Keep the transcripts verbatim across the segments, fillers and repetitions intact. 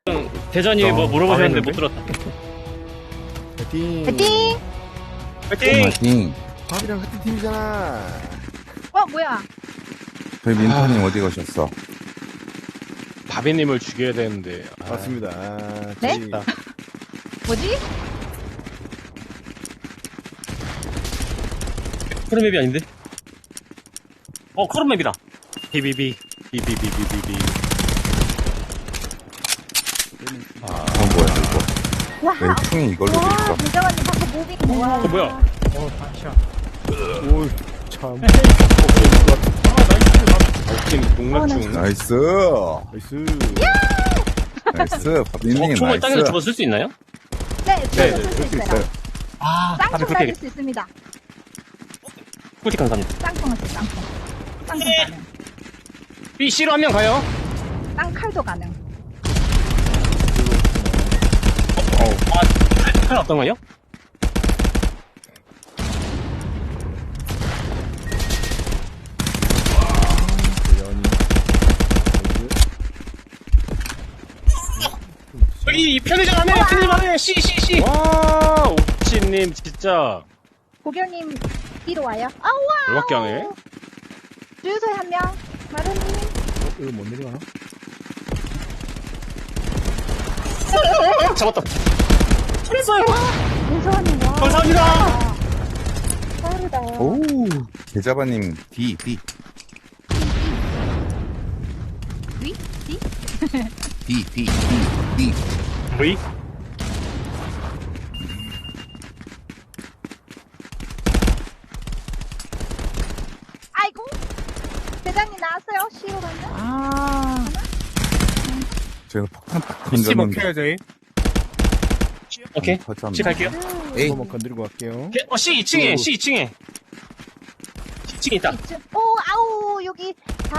대전이 뭐 물어보셨는데 못 들었다. 파이팅! 파이팅! 파이팅! 파이팅. 밥이랑 같은 팀이잖아. 어, 뭐야? 저희 민터님 어디 가셨어? 바비님을 죽여야 되는데. 아, 맞습니다. 아, 네? 저희 뭐지? 크롬맵이 아닌데? 어, 크롬맵이다. 비비비. 비비비비비비. 아, 어 뭐야 이거? 와! 왜 총이 이걸로 돼 와, 있어? 대장님 방금 무빙. 와. 어, 뭐야? 오, 참. 웃긴 농락중. 나이스. 나이스. 나이스. 박민님 어, 총을 땅에서 나이스. 집어 쓸 수 있나요? 네, 네, 저도 네, 쓸수 그럴 수 있어요. 있어요. 아, 다들 쌍총 그렇게 날릴 해야겠다. 수 있습니다. 꿀팁 감사합니다. 쌍총을 써, 쌍총. 쌍총 가능. B, C로 한 명 가요. 쌍칼도 가능. 아, 칼 어떤 거요? 여기 편의점 안에, 편의점 안에, C, C, C. 와, 옥치님 진짜. 고결님, 뒤로 와요. 아우와! 열받게 하네. 주유소에 한 명. 마루님. 이거 못 내려가나? 잡았다. 잘했어요. 윤서원님, 와. 감사합니다. 빠르다. 오. 계자바님 D D 위? 뒤? D D D D. V? 아이고! 대장님 나왔어요, C로 가면. 아. 제가 폭탄 딱 씨 던졌는데. 먹혀요, 저희. 오케이. 터졌네. C 갈게요. 에이. 한번 건드리고 갈게요. 어, C 이 층에, C 이 층에. C 이 층에 있다. 이쯤. 오, 아우, 여기, 담.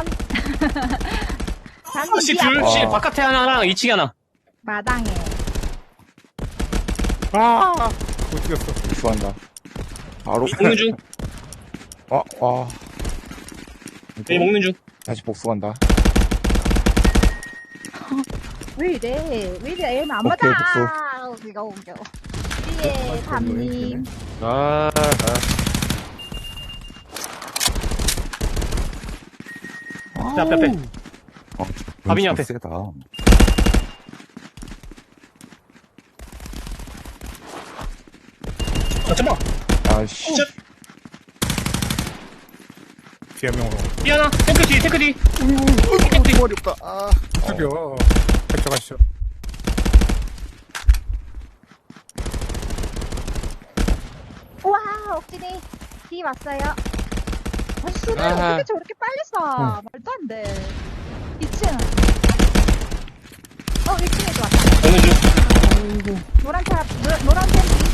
담, C 이 둘, 아. C 바깥에 하나랑 이 층에 하나. 마당에. 아! 못 죽였어. 수한다. 바로. 먹는 중. 아, 아. 네, 먹는 중. 다시 복수한다. 왜 이래? 왜 이래? 애는 안 오케이, 맞아. 우리가 옮겨. 뒤에 담님. 아, 아. 자, 앞에, 앞에. 어, 바비님 연습 앞에. 세다. 아, 잠깐만. 아씨. 저, 뒤에 한 명으로. B 하나. 탱크 뒤, 탱크 뒤. 어이구, 머리 없다. 아, 죽여. 가져가시죠. 우와, 억진이. 뒤 왔어요. 아, 수를 아하. 어떻게 저렇게 빨리 쏴? 말도 안 돼. 이 층. 어, 일 층에도 왔다. 먹는 중. 노란 차, 노, 노란 팬티.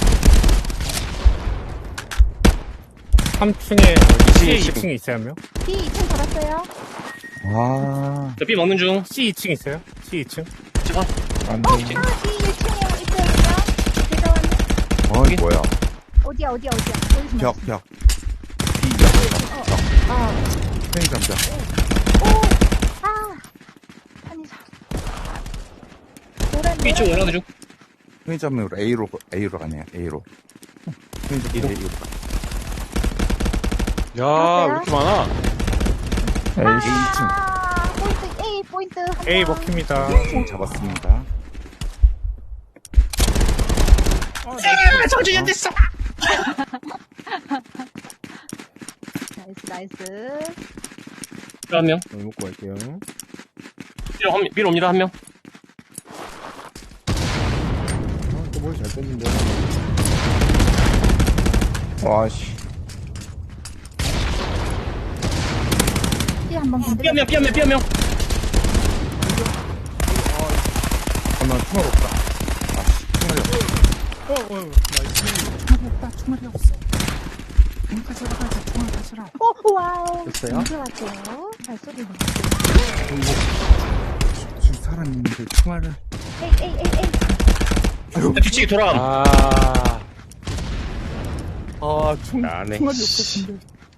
삼 층에, C 층. 이 층에 있어요, 한 명? D 이 층 돌았어요. 아. 저 B 먹는 중. C 이 층 있어요? C 이 층? 잠깐. 안 어, 돼. 아, D 일 층에 있어요. 제가 왔네. 어이, 뭐야. 어디야, 어디야, 어디야. 보이지 마. 벽, 벽. D, 벽. 어, 아, 편의점 벽. 오, 아. 편의점. 노란, B 쪽 노란. 올라가는 중. 편의점으로 A로, A로 가네요, A로. 편의점 이동. A로. 야, 왜 이렇게 많아? A 이 층. 아, 포인트, A 포인트. 한 A 명. 먹힙니다. 층 잡았습니다. 아, 정준이 됐어. 나이스, 나이스. B 한 명. 여기 먹고 갈게요. B 한 명. B 옵니다, 한 명. 아, 또 머리 잘 뺐는데. 와씨. D 한번 B 건드려. 한 명, B 한 명, B 한 명. 하나 총알 없다. 아씨, 총알이 없어. 어, 어, 나이스. 오, 와우. 됐어요? 언제 왔대요? 발소리. 지금 사람 있는데 총알을. 에이, 에이, 에이, 에이. 뒤치기 돌아가. 아, 아, 총, 나네. 총알이 없었는데.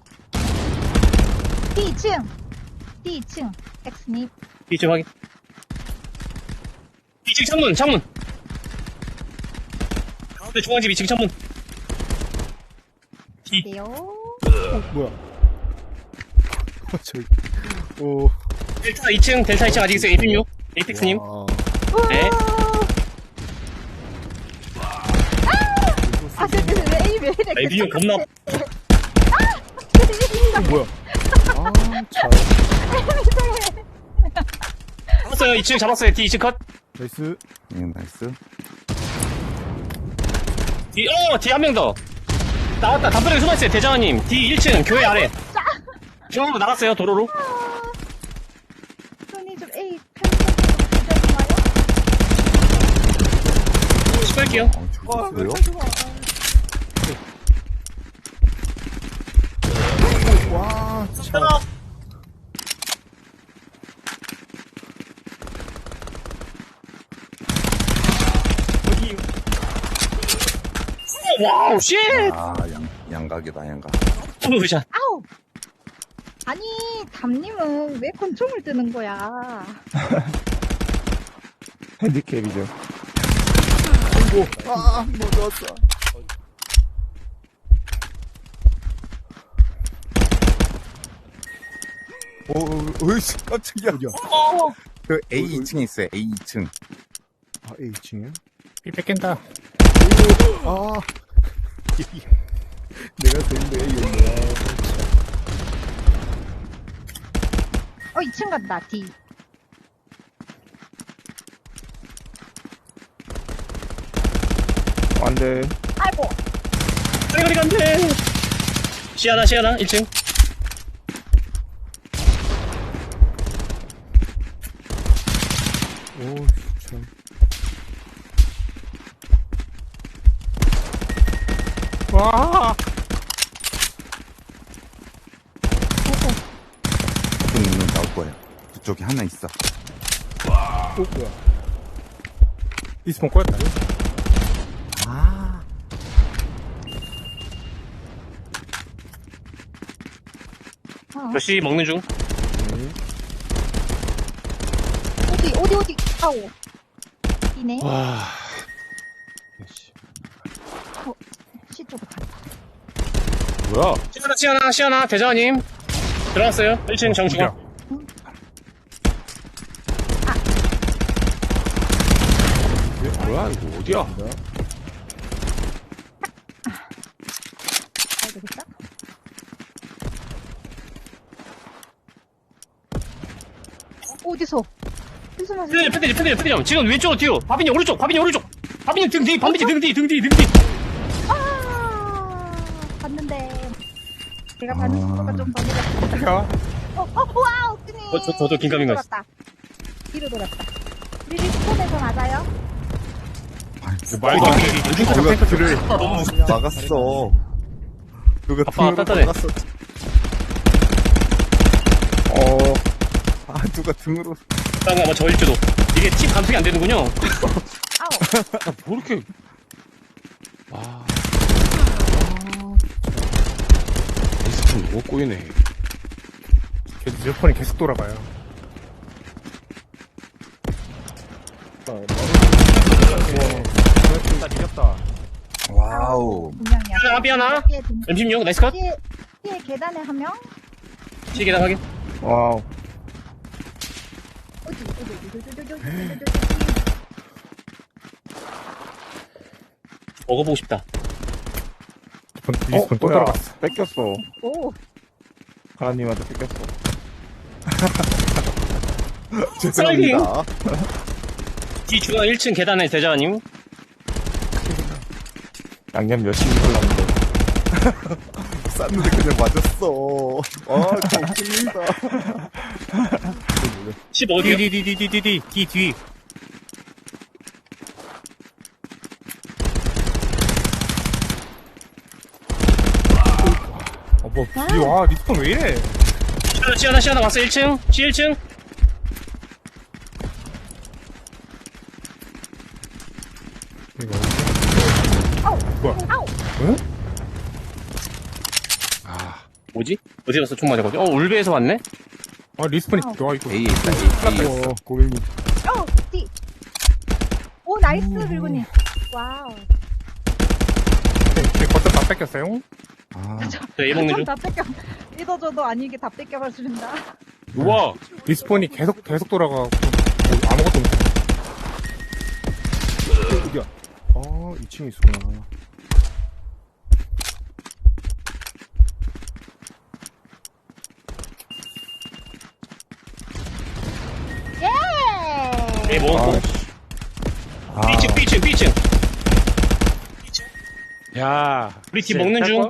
D 이 층. D 이 층. X님. B 쪽 확인. 이 층 창문, 창문. 가운데 중앙집 이 층 창문. D. 네요. 어, 뭐야. 저기, 오. 델타 이 층, 델타 이 층 아직 있어요. 에이픽육. 에이픽스님. 와. 네. 아, 근데 왜 에이 왜 이래? 에이픽육 겁나. 어, 뭐야. 아, 잘. 잡았어요. 이 층 잡았어요. D 이 층 컷. 나이스. 예, 나이스. D, 어, D 한 명 더. 나왔다. 담벼락에 숨어있어요. 대장님. D 일 층, 교회 아래. 중앙으로 나갔어요. 도로로. 손이 좀 에이 편집좀 가져주나요? 시끄럽게요. 어, 왜요? 와, 참. 와우, 쉣! 아, 양, 양각이다, 양각. 투샷. 아우. 아니, 담님은 왜 권총을 뜨는 거야? 핸디캡이죠. 오, 아, 뭐 넣었어. 오, 오, 으이씨, 깜짝이야. 어디야? 그 에이 이 층에 있어요, 에이 이 층. 아, A 층이야? 삐 뺏긴다. 아. 내가 되는데 A였네. 어, 이 층 간다, D. 안 돼. 아이고. 가리 가리 간대. 시아나, 시아나, 일 층. 오, 참. 와. 좀 있는 나올 거예요. 그쪽에 하나 있어. 오, 뭐야. 이스폰 꼬였다. 아. 어. 몇시 먹는 중. 어디, 어디, 어디. 아우. D네. 와. C 쪽으로 간다. 뭐야? 시아나, 시아나, 시아나, 대장님. 들어갔어요. 일 층 정중앙. 뭐야, 이거 어디야? 가야 되겠다. 어, 어디서? 어디서 맞았어? 패드점, 패드점, 패드점, 패드점. 지금 왼쪽으로 튀어. 바비님 오른쪽, 바비님 오른쪽. 바비님 등 뒤, 바비님 등 뒤, 등 뒤, 등 뒤. 아, 봤는데. 제가 받는 속도가 좀 버리가. 야. 어, 어, 와우, 뜨니. 어, 저- 저도 긴가민가 했어. 돌았다. 뒤로 돌았다. 우리 리스폰에서 맞아요? 말도 안 돼. 누가 그를 너무 무섭다. 막았어. 누가 아빠, 등으로 따뜻해. 막았어. 어. 아, 누가 등으로. 아마 뭐 저일지도. 이게 팀 감속이 안 되는군요. 아우. 뭐 이렇게. 아. 이스폰 너무 꼬이네. 계속, 몇 번이 계속 돌아가요. 나 이겼다. 와우. 분명이야. 하나, 삐하나. 뒤에 등- 엠 십육, 나이스 컷. 뒤에, 뒤에 계단에 한 명? 시 계단 확인. 와우. 어디, 어디, 어디, 어디, 어디, 어디, 어디, 어디, 어디. 먹어보고 싶다. 리스폰 또 뭐야. 들어갔어. 뺏겼어. 오, 가라님한테 뺏겼어. 슬라이딩. 죄송합니다. 뒤 중앙 일 층 계단에 대장님. 양념 열심히 골랐는데. 쌌는데 그냥 맞았어. 아, 저 웃깁니다. 십 어디요? 디디디디디디 뒤 뒤. 어, 뭐, 이, 와, 리스폰 왜 이래? 시아나, 시아나, 시아나 왔어. 일 층. 시 일 층. 이거. 아우, 뭐야? 아우. 아. 뭐지? 어디 갔어? 총 맞아가지고. 어, 울베에서 왔네? 아, 리스폰이, 아우. 와, 이거. 에이 있다, 에이. 에이. 어, 고객님. 어, 뒤. 나이스, 빌군님. 와우. 제 거점 다 뺏겼어요. 아, 저 A 먹는 중. 다 뺏겨. 믿어줘도 아니게 다 뺏겨버린다. 우와. 리스폰이 계속, 계속 돌아가고, 뭐 아무것도 못해. 어디야? 아, 이 층에 있었구나. 예! A 먹었고. 아, 씨. 아, B층, B층, B층. 야. 우리 팀 먹는 중.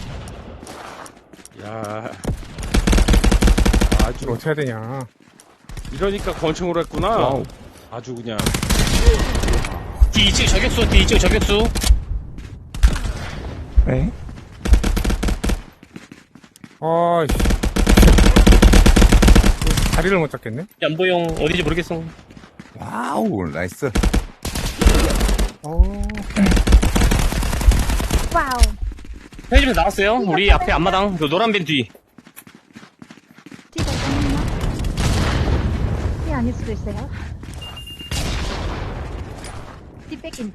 야. 이걸 아주, 어떻게 해야 되냐. 이러니까 권총으로 했구나. 와우. 아주 그냥. D 이 층 저격수, D 이 층 저격수. 에? 아이씨. 자리를 못 잡겠네? 연보용 어디지 모르겠어. 와우, 나이스. 어, 와우. 편의점에서 나왔어요. 우리 앞에 앞마당, 그 노란 밴 뒤. 뒤가 있나? 뒤 아닐 수도 있어요. 뒤 뺏긴다.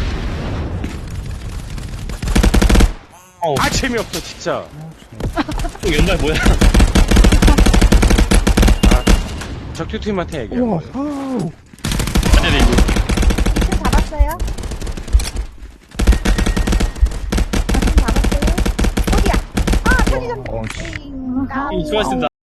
어우, 아, 재미없어, 진짜. 또 연말 뭐야? 적투팀한테 얘기해. 우와, 아우. 맞아야 이거. 지금 잡았어요? 지금 잡았어요? 어디야? 아, 편의점. 어, 씨. 띵, 까비. 수고하셨습니다.